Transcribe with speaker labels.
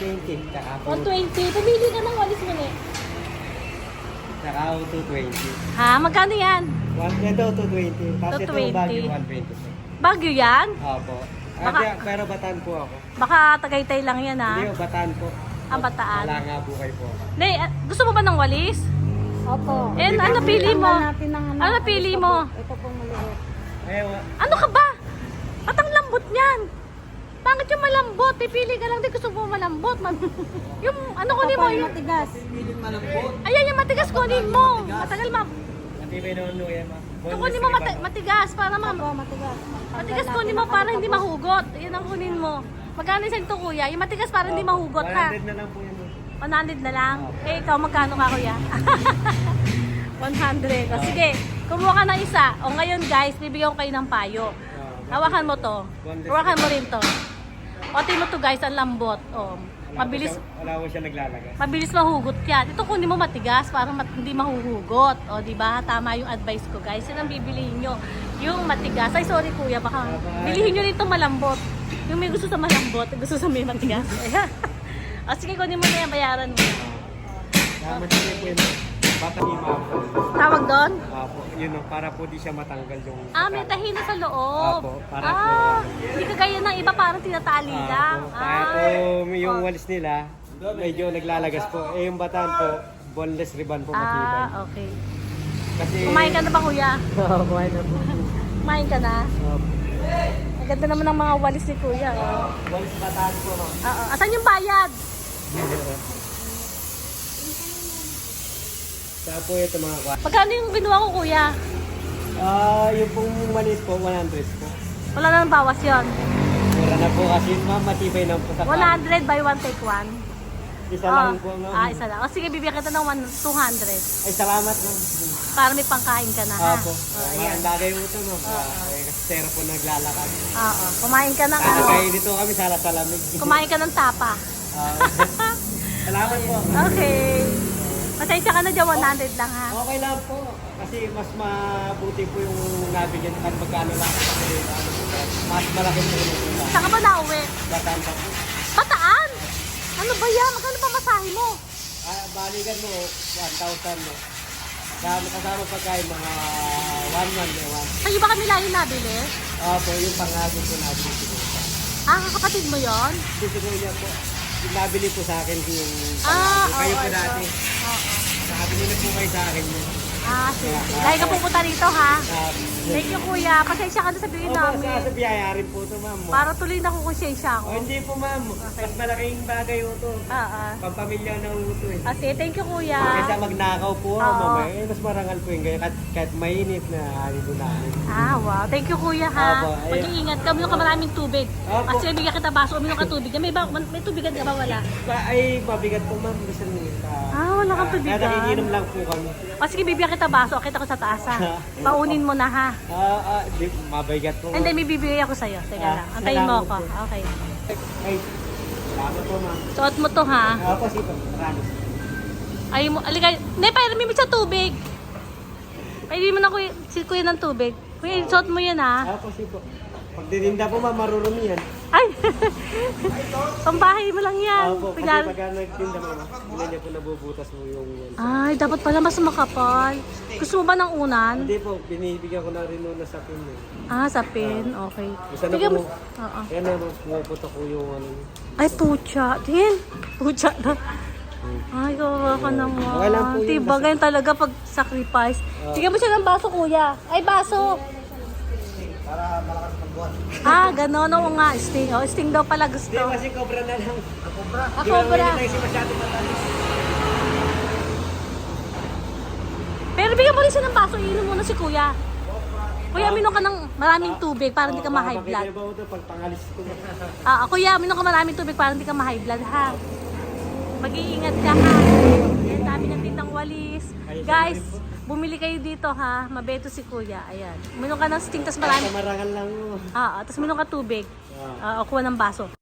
Speaker 1: 120. Tsaka po,
Speaker 2: 120. Pumili ka ng walis mo eh.
Speaker 1: tsaka 220.
Speaker 2: Ha? Magkano yan?
Speaker 1: Ito 220. Tapos ito
Speaker 2: 220.
Speaker 1: Baguio 120 po.
Speaker 2: Baguio yan?
Speaker 1: Opo.
Speaker 2: Baka-
Speaker 1: Pero Bataan po ako.
Speaker 2: Baka Tagaytay lang yan ha?
Speaker 1: Hindi, Bataan po.
Speaker 2: Ang Bataan.
Speaker 1: Wala nga po kayo po.
Speaker 2: Hindi, gusto mo ba ng walis?
Speaker 3: Opo.
Speaker 2: Eh, ano pili mo?
Speaker 3: Natin ng
Speaker 2: Ano pili mo?
Speaker 3: Ito pong maliit.
Speaker 2: Ano ka ba? At ang lambot niyan. Bakit yung malambot? Pipili ka lang din gusto mo malambot. Yung ano kunin mo? Yung,
Speaker 3: Matigas.
Speaker 1: Pilit malambot.
Speaker 2: ayan yung matigas kunin mo. Matagal ma.
Speaker 1: Matibay naman no yan, ma'am.
Speaker 2: Ito kunin mo matigas para
Speaker 3: Opo, matigas.
Speaker 2: matigas kunin mo para hindi mahugot. Yan ang kunin mo. Magkano sa ito kuya? Yung matigas para hindi mahugot ha.
Speaker 1: 100 na lang po yan.
Speaker 2: 100 na lang. Eh ikaw magkano ka kuya? 100. O, sige, kumuha ka ng isa. O ngayon guys, bibigyan ko kayo ng payo. Hawakan mo to. Hawakan mo rin to. O tingnan mo to guys, ang lambot. O, mabilis
Speaker 1: Wala ko siya naglalagay.
Speaker 2: mabilis mahugot yan. Ito kunin mo matigas para hindi mahuhugot. O, di ba? Tama yung advice ko, guys. Yan ang bibilihin nyo. Yung matigas. Ay, sorry kuya, baka bilihin nyo rin itong malambot. Yung may gusto sa malambot, gusto sa may matigas. Ayan. O, sige, kunin mo na yan, bayaran mo.
Speaker 1: Tama siya po yun. Batahima po.
Speaker 2: Tawag doon?
Speaker 1: Apo, yun o, para po di siya matanggal yung...
Speaker 2: May tahina sa loob.
Speaker 1: Apo, para
Speaker 2: Hindi kagaya ng iba, parang tinatali lang.
Speaker 1: Kaya po yung walis nila, medyo naglalagas po. Eh yung Bataan po, boneless ribbon po matibay.
Speaker 2: Okay.
Speaker 1: Kasi...
Speaker 2: Kumain ka na ba, kuya?
Speaker 1: Oo, kumain na po.
Speaker 2: Kumain ka na?
Speaker 1: Opo.
Speaker 2: Ang ganda naman ng mga walis ni kuya.
Speaker 1: Walis Bataan po, ma'am.
Speaker 2: Oo. Asan yung bayad?
Speaker 1: Kaya po ito mga kwa.
Speaker 2: Magkano yung binuha ko, kuya?
Speaker 1: Yung pong maliit po, 100 po.
Speaker 2: Wala na ng bawas yon.
Speaker 1: Mura na po kasi ma'am, matibay na po sa
Speaker 2: 100 by 1 take 1.
Speaker 1: Isa lang po, ma'am.
Speaker 2: Isa lang. O sige, bibigyan kita ng 200.
Speaker 1: Ay, salamat, ma'am.
Speaker 2: Para may pangkain ka na, ha?
Speaker 1: Opo.
Speaker 2: Ayan.
Speaker 1: Ang bagay po ito, ma'am. Kasi sero po naglalakad.
Speaker 2: Oo. Kumain ka ng
Speaker 1: Kaya dito kami sa lamig.
Speaker 2: Kumain ka ng tapa.
Speaker 1: Salamat po.
Speaker 2: Okay. Pasensya ka na dyan, 100 lang, ha?
Speaker 1: Okay lang po. Kasi mas mabuti po yung nabigyan kan magkano lang. Kasi mas malaki po yung pula.
Speaker 2: Saan ka ba nauwi?
Speaker 1: Bataan pa po.
Speaker 2: Bataan? Ano ba yan? Magkano pa masahe mo?
Speaker 1: Balikan mo, 1,000 mo. Kasama pagkain mga 1 month eh, 1.
Speaker 2: Sa'yo ba kami lagi nabili?
Speaker 1: Po, yung pangagod ko nabili siguro sa.
Speaker 2: Kapatid mo yon?
Speaker 1: Siguro niya po. Yung nabili po sa akin yung kayo po
Speaker 2: ito.
Speaker 1: dati. Nakabili na po kayo sa akin yun.
Speaker 2: Sige. Lagi ka pupunta rito, ha?
Speaker 1: Um,
Speaker 2: Thank you, kuya. Pasensya ka na sabihin namin.
Speaker 1: sa biyaya rin po ito, ma'am.
Speaker 2: Para tuloy na kukonsensya ako.
Speaker 1: Hindi po, ma'am. Mas malaking bagay po ito. Pampamilya ng uto eh.
Speaker 2: Sige, thank you, kuya.
Speaker 1: Kaysa magnakaw po, ma'am. Mas marangal po yung ganyan. Kahit mainit na ano po namin.
Speaker 2: Wow. Thank you, kuya, ha?
Speaker 1: Opo,
Speaker 2: Mag-iingat ka. Uminom ka maraming tubig.
Speaker 1: Opo.
Speaker 2: Kasi bigyan kita baso. Uminom ka tubig. May tubigan ka ba? Wala.
Speaker 1: Ay, mabigat po, ma'am. Gusto niyo.
Speaker 2: Wala kang tubigan.
Speaker 1: Kaya nakikinom lang po kami.
Speaker 2: Sige, bibigyan kita baso. Akita ko sa taas, ha? Paunin mo na, ha?
Speaker 1: Mabigat po.
Speaker 2: Hindi, may bibigay ako sa'yo. Teka lang. Antayin mo ako. Okay.
Speaker 1: Ay, salamat po, ma'am.
Speaker 2: Suot mo to, ha?
Speaker 1: Ako si Maraming.
Speaker 2: Ay mo, aligay. Hindi, pairam mo sa tubig. Pairam mo na si kuya ng tubig. Kuya, suot mo yan, ha?
Speaker 1: Ako si po. Pag dininda po, ma'am, marurumi yan.
Speaker 2: Ay! Pambahay mo lang yan.
Speaker 1: Opo, kasi
Speaker 2: Kunyari-
Speaker 1: pagka nagtinda, ma'am, hindi niya po nabubutas mo yung...
Speaker 2: Ay, dapat pala mas makapal. Gusto mo ba ng unan?
Speaker 1: Hindi po, binibigyan ko na rin na sa pin.
Speaker 2: Sa pin. Okay.
Speaker 1: Isa na
Speaker 2: Bigyan
Speaker 1: po.
Speaker 2: mo- Oo.
Speaker 1: Kaya na, pumuputok ko yung ano.
Speaker 2: Ay, pucha. Din. Pucha na. Ay, kawawa ka naman.
Speaker 1: Okay lang po yun,
Speaker 2: Diba, ganyan talaga pag sacrifice. Bigyan mo siya ng baso, kuya. Ay, baso.
Speaker 1: Para malakas magbuhat.
Speaker 2: Gano'n. Oo nga, sting. Sting daw pala gusto.
Speaker 1: Hindi, kasi cobra na lang. Cobra?
Speaker 2: Cobra.
Speaker 1: Hindi kasi masyado matalis.
Speaker 2: Pero bigyan mo rin siya ng baso. Iinom muna si kuya. Kuya, minom ka ng maraming tubig para hindi ka ma-high blood.
Speaker 1: Bakit ba ito pag pangalis ko?
Speaker 2: Kuya, minom ka maraming tubig para hindi ka ma-high blood, ha? Mag-iingat ka, ha? Ayan, dami ng tindang walis. Guys, bumili kayo dito, ha? Mabeto si kuya. Ayan. Minom ka ng sting, tas marami.
Speaker 1: Marangal lang mo.
Speaker 2: Tas minom ka tubig. Kuha ng baso.